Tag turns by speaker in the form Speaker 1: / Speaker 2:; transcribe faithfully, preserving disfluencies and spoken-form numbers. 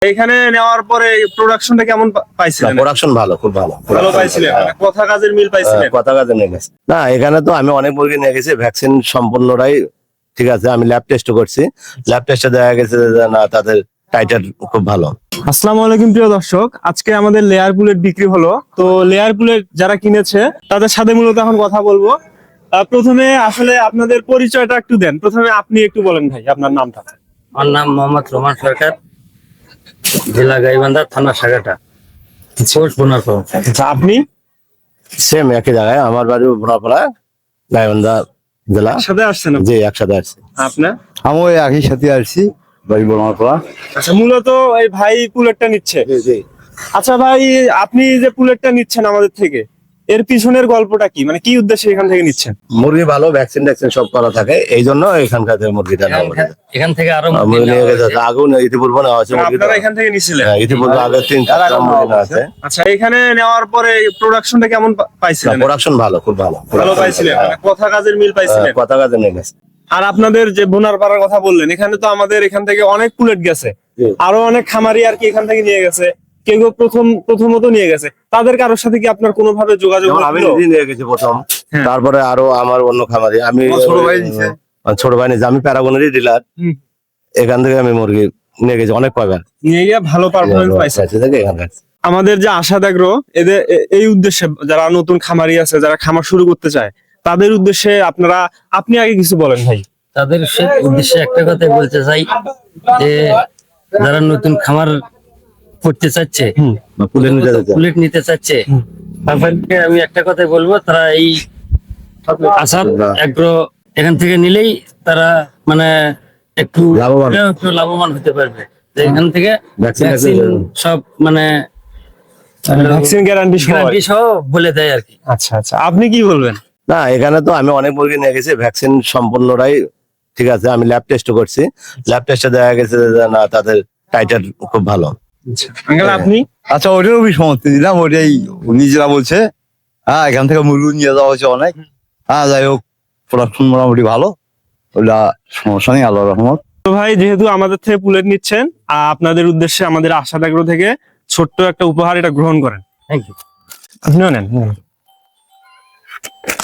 Speaker 1: এখানে নেওয়ার পরে প্রোডাকশনটা কেমন পা- পাইছিলেন?
Speaker 2: প্রোডাকশন ভালো, খুব ভালো।
Speaker 1: ভালো পাইছিলেন, মানে কথা কাজের মিল পাইছিলেন?
Speaker 2: হ্যাঁ, কথা কাজে নিয়ে গেছে। না, এখানে তো আমি অনেক মুরগি নিয়ে গেছি, ভ্যাকসিন সম্পূর্ণটাই ঠিক আছে। আমি ল্যাব টেস্ট করছি, ল্যাব টেস্টে দেখা গেছে যে না, তাদের টাইটার খুব ভালো।
Speaker 1: আসসালামু আলাইকুম প্রিয় দর্শক, আজকে আমাদের লেয়ার বুলেট বিক্রি হলো। তো লেয়ার বুলেট যারা কিনেছে তাদের সাথে মূলত এখন কথা বলবো। আহ, প্রথমে আসলে আপনাদের পরিচয়টা একটু দেন। প্রথমে আপনি একটু বলেন ভাই, আপনার নামটা।
Speaker 3: আমার নাম মোহাম্মদ রোমান সরকার, জেলা গাইবান্ধা, থানা সাগাটা, পোস্ট বোনারপাড়া।
Speaker 1: আচ্ছা, আপনি
Speaker 2: সেম একই জায়গায়, আমার বাড়ি বোনাপাড়া, গাইবান্ধা জেলা।
Speaker 1: সাথে আসছেন আপনি?
Speaker 2: জি, একসাথে আসছি।
Speaker 1: আপনার?
Speaker 4: আমি ওই একই সাথে আসছি, বাড়ি বর্মাপাড়া।
Speaker 1: আচ্ছা, মূলত এই ভাই বুলেটটা নিচ্ছে।
Speaker 2: জি জি।
Speaker 1: আচ্ছা ভাই, আপনি যে বুলেটটা নিচ্ছেন আমাদের থেকে, এর পিছনের গল্পটা কি? মানে কি উদ্দেশ্যে এখান থেকে নিচ্ছেন?
Speaker 2: মুরগি ভালো, ভ্যাকসিন ট্যাকসিন সব করা থাকে, এই জন্য এখানকার থেকে মুরগিটা নেওয়া হয়েছে।
Speaker 3: এখান থেকে আরো
Speaker 2: আহ,
Speaker 3: মুরগি
Speaker 2: মুরগি নিয়ে
Speaker 3: নেওয়া
Speaker 2: গেছে,
Speaker 3: হয়েছে।
Speaker 2: আগেও না, ইতিপূর্বে নেওয়া হয়েছে
Speaker 1: মানে
Speaker 2: মুরগিটা।
Speaker 1: আপনারা এখান থেকে নিছিলেন?
Speaker 2: হ্যাঁ, ইতিপূর্বে আগে তিন চারটা মুরগি নেওয়া আছে।
Speaker 1: আচ্ছা, এখানে নেওয়ার পরে প্রোডাকশনটা কেমন পা- পাইছিলেন?
Speaker 2: প্রোডাকশন ভালো, খুব ভালো।
Speaker 1: ভালো পাইছিলেন, মানে কথা কাজের মিল পাইছিলেন?
Speaker 2: আহ, কথা কাজে নিয়ে গেছে।
Speaker 1: আর আপনাদের যে বোনার পাড়ার কথা বললেন, এখানে তো আমাদের এখান থেকে অনেক পুলেট গেছে,
Speaker 2: জি।
Speaker 1: আরো অনেক খামারি আর কি এখান থেকে নিয়ে গেছে, কেউ কেউ প্রথম প্রথমত নিয়ে গেছে। তাদের কারোর সাথে কি আপনার কোনোভাবে যোগাযোগ
Speaker 2: যেমন আমি
Speaker 1: হলো?
Speaker 2: নিজেই নিয়ে গেছি প্রথম,
Speaker 1: হ্যাঁ।
Speaker 2: তারপরে আরো আমার অন্য খামারি, আমি
Speaker 4: আমার ছোট ভাই নিছে।
Speaker 2: আমার ছোট ভাই নিয়েছে, আমি প্যারাগনেরই ডিলার।
Speaker 1: হুম।
Speaker 2: এখান থেকে আমি মুরগি নিয়ে গেছি অনেক কয়বার।
Speaker 1: নিয়ে গিয়ে ভালো পারফরমেন্স পাইছে।
Speaker 2: পাইছে থেকে এখানকার।
Speaker 1: আমাদের যে আশাদ এগ্রো, এদের এ- এই উদ্দেশ্যে যারা নতুন খামারি আছে, যারা খামার শুরু করতে চায়, তাদের উদ্দেশ্যে আপনারা, আপনি আগে কিছু বলেন ভাই।
Speaker 3: তাদের সে- উদ্দেশ্যে একটা কথাই বলতে চাই যে যারা নতুন খামার করতে চাচ্ছে
Speaker 2: বা পুলেট নিতে যাচ্ছে।
Speaker 3: বুলেট নিতে চাচ্ছে, তাদেরকে আমি একটা কথাই বলবো, তারা এই আসাদ এগ্রো এখান থেকে নিলেই তারা মানে একটু
Speaker 2: লাভবান।
Speaker 3: একটু লাভবান হতে পারবে। যে এখান থেকে
Speaker 2: Vaccine
Speaker 3: ভ্যাকসিন
Speaker 2: vaccine
Speaker 3: সব মানে
Speaker 1: ভ্যাকসিন গ্যারান্টি সহ।
Speaker 3: গ্যারান্টি সহ বলে দেয় আর কি।
Speaker 1: আচ্ছা আচ্ছা, আপনি কি বলবেন?
Speaker 2: না, এখানে তো আমি অনেক মুরগি নিয়ে গেছি, ভ্যাকসিন সম্পূর্ণটাই ঠিক আছে। আমি ল্যাব টেস্ট করছি, ল্যাব টেস্টে দেখা গেছে যে না, তাদের টাইটার খুব ভালো।
Speaker 1: আঙ্কেল আপনি?
Speaker 4: আচ্ছা, ওটার আমি সমর্থন দিলাম, ওটাই উনি যেটা বলছে। হ্যাঁ, এখান থেকে মুরগি নিয়ে যাওয়া হয়েছে অনেক। হ্যাঁ, যাই হোক, প্রোডাকশন মোটামুটি ভালো, ওটা সমস্যা নেই, আল্লাহ রহমত।
Speaker 1: তো ভাই, যেহেতু আমাদের থেকে পুলেট নিচ্ছেন, আহ, আপনাদের উদ্দেশ্যে আমাদের আশাদ এগ্রো থেকে ছোট্ট একটা উপহার, এটা গ্রহণ করেন।
Speaker 3: Thank you.
Speaker 1: আপনিও নেন।